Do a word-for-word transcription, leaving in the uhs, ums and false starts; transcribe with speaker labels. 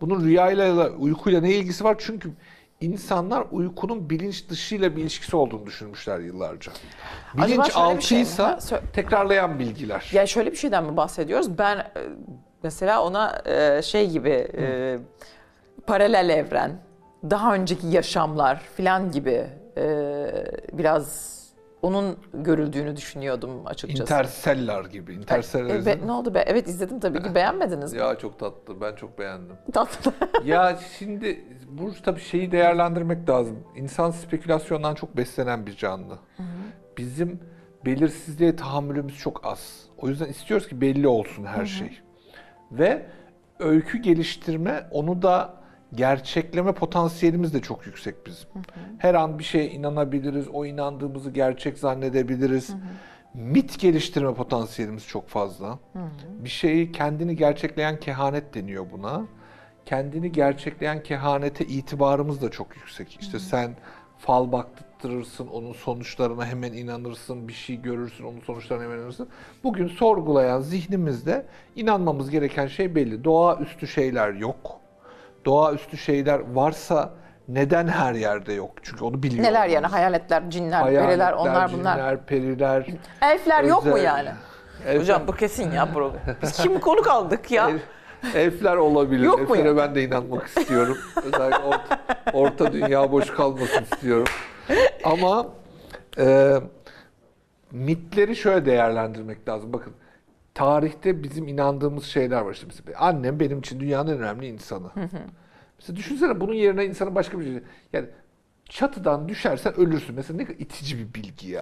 Speaker 1: Bunun rüyayla, uykuyla ne ilgisi var? Çünkü insanlar uykunun bilinç dışıyla bir ilişkisi olduğunu düşünmüşler yıllarca.
Speaker 2: Acaba
Speaker 1: Bilinç
Speaker 2: şöyle bir şey mi?
Speaker 1: altıysa
Speaker 2: Ha, sö-
Speaker 1: tekrarlayan bilgiler.
Speaker 2: Yani şöyle bir şeyden mi bahsediyoruz? Ben e, mesela ona e, şey gibi e, paralel evren, daha önceki yaşamlar falan gibi e, biraz onun görüldüğünü düşünüyordum açıkçası.
Speaker 1: Interstellar gibi. Interstellar
Speaker 2: E, be-
Speaker 1: izledin mi?
Speaker 2: ne oldu be? Evet izledim tabii ki. Beğenmediniz mi?
Speaker 1: Ya çok tatlı. Ben çok beğendim.
Speaker 2: Tatlı.
Speaker 1: Ya şimdi bu tabii şeyi değerlendirmek lazım. İnsan spekülasyondan çok beslenen bir canlı. Bizim belirsizliğe tahammülümüz çok az. O yüzden istiyoruz ki belli olsun her şey. Ve öykü geliştirme, onu da gerçekleme potansiyelimiz de çok yüksek bizim. Her an bir şeye inanabiliriz, o inandığımızı gerçek zannedebiliriz. Mit geliştirme potansiyelimiz çok fazla. Bir şeyi kendini gerçekleyen kehanet deniyor buna. Kendini gerçekleyen kehanete itibarımız da çok yüksek. İşte sen fal baktırırsın, onun sonuçlarına hemen inanırsın, bir şey görürsün, onun sonuçlarına hemen inanırsın. Bugün sorgulayan zihnimizde inanmamız gereken şey belli. Doğaüstü şeyler yok. Doğaüstü şeyler varsa neden her yerde yok? Çünkü onu biliyor
Speaker 2: Neler
Speaker 1: olmamız.
Speaker 2: yani hayaletler, cinler,
Speaker 1: Hayaletler,
Speaker 2: periler, onlar bunlar.
Speaker 1: cinler, periler.
Speaker 2: Elfler yok mu
Speaker 1: özel-
Speaker 2: yani?
Speaker 1: Elfler-
Speaker 2: Hocam bu kesin ya bro. Biz kim konuk aldık ya?
Speaker 1: El- Elfler olabilir.
Speaker 2: Yok mu
Speaker 1: Elflere
Speaker 2: ya?
Speaker 1: ben de inanmak istiyorum. Özellikle orta, orta dünya boş kalmasın istiyorum. Ama e, mitleri şöyle değerlendirmek lazım. Bakın, tarihte bizim inandığımız şeyler var. İşte mesela annem benim için dünyanın en önemli insanı. Mesela düşünsene, bunun yerine insanın başka bir şey. Yani çatıdan düşersen ölürsün. Mesela ne kadar itici bir bilgi ya.